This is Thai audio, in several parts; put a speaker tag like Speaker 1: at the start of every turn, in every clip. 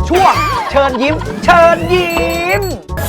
Speaker 1: ช่วงเชิญยิ้ม เชิญยิ้ม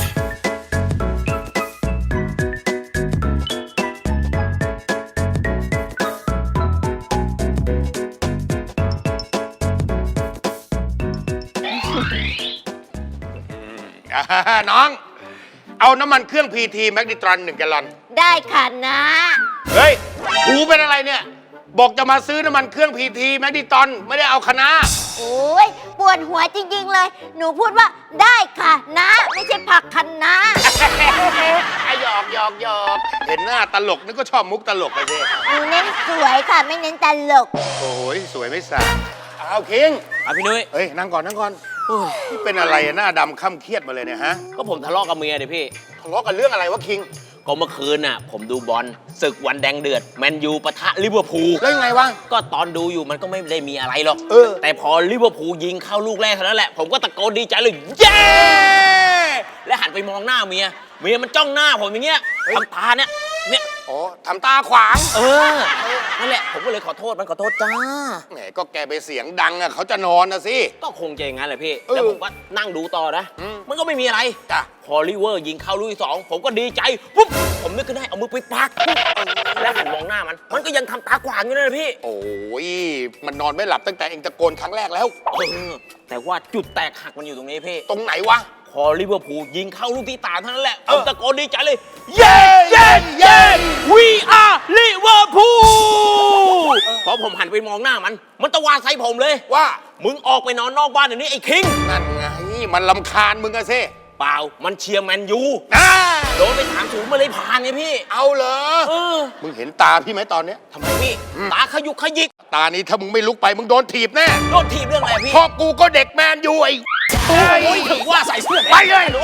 Speaker 2: น้อง เอาน้ำมันเครื่องพีทีแมกนิตรอน1 แกลลอน
Speaker 3: ได้ค่ะนะ
Speaker 2: เฮ้ยหูเป็นอะไรเนี่ย บอกจะมาซื้อน้ำมันเครื่องพีทีแมกนิตรอนไม่ได้เอาคณะ
Speaker 3: โอ้ยปวดหัวจริงๆเลย หนูพูดว่าได้ค่ะนะ ไม่ใช่ผักคะน้า
Speaker 2: หยอกเห็นหน้าตลกนึกก็ชอบมุกตลกไปสิ
Speaker 3: หนูเน้นสวยค่ะ ไม่เน้นตลก
Speaker 2: โอ้ยสวยไม่สาเอาคิง
Speaker 4: พี่นุ้ย
Speaker 2: เฮ้ยนั่งก่อนนี่เป็นอะไรหน้าดำค่ำเครียดมาเลยเนี่ยฮะ
Speaker 4: ก็ผมทะเลาะกับเมียเดี๋ยพี่
Speaker 2: ทะเลาะกันเรื่องอะไรวะคิง
Speaker 4: ก็เมื่อคืนน่ะ ผมดูบอลศึกวันแดงเดือดแมนยูปะทะลิเวอร์พูล
Speaker 2: แล้วยังไงวะ
Speaker 4: ก็ตอนดูอยู่มันก็ไม่ได้มีอะไรหรอก
Speaker 2: เออ
Speaker 4: แต่พอลิเวอร์พูลยิงเข้าลูกแรกเท่านั้นแหละ ผมก็ตะโกนดีใจเลย เย้ และหันไปมองหน้าเมียมันจ้องหน้าผมอย่างเงี้ยทำตาเนี่ย
Speaker 2: อ๋อทำตาขวาง
Speaker 4: นั่นแหละ ผมก็เลยขอโทษขอโทษจ้า
Speaker 2: แหมก็แกไปเสียงดังอะเขาจะนอนนะสิ
Speaker 4: ก็คงจะอย่างนั้นแหละพี่
Speaker 2: เออ
Speaker 4: แล้วผมก็นั่งดูต่อนะ มันก็ไม่มีอะไร
Speaker 2: จ้ะ
Speaker 4: พอลิเวอร์ยิงเข้าลูกที่สองผมก็ดีใจปุ๊บผมนึกขึ้นได้เอามือไปปักแล้วหันมองหน้ามันก็ยังทำตาขวางอยู่เลยพี่
Speaker 2: โอ้ยมันนอนไม่หลับตั้งแต่เองตะโกนครั้งแรกแล้ว
Speaker 4: แต่ว่าจุดแตกหักมันอยู่ตรงนี้พี่
Speaker 2: ตรงไหนวะ
Speaker 4: พอลิเวอร์พูลยิงเข้าลูกที่ตามเท่านั้นแหละผ
Speaker 2: เออ
Speaker 4: มตะโกนดีใจเลย เย้เย้เย้ we are ลิเวอร์พูลพอผมหันไปมองหน้ามันตะวาดใส่ผมเลย
Speaker 2: ว่า
Speaker 4: มึงออกไปนอนนอกบ้านเดี๋ยวนี้ไอ้คิง
Speaker 2: นั่นไงมันลำคาญมึงอะสิ
Speaker 4: เปล่ามันเชียร์แมนยู
Speaker 2: อ่า
Speaker 4: โดนไป3-0มาเลยผ่านไงพี่
Speaker 2: เอาเหรอ
Speaker 4: เออ
Speaker 2: มึงเห็นตาพี่ไหมตอนเนี้ย
Speaker 4: ทำไมพี่ตาขยุกขยิก
Speaker 2: ตานี้ถ้ามึงไม่ลุกไปมึงโดนถีบแน่
Speaker 4: โดนทีบเรื่องอะไรพี่
Speaker 2: พอกูก็เด็กแมนยูไอ้
Speaker 4: โอ้ยถึงว่าใส่เสื้อ
Speaker 2: ไปเลย
Speaker 4: ดู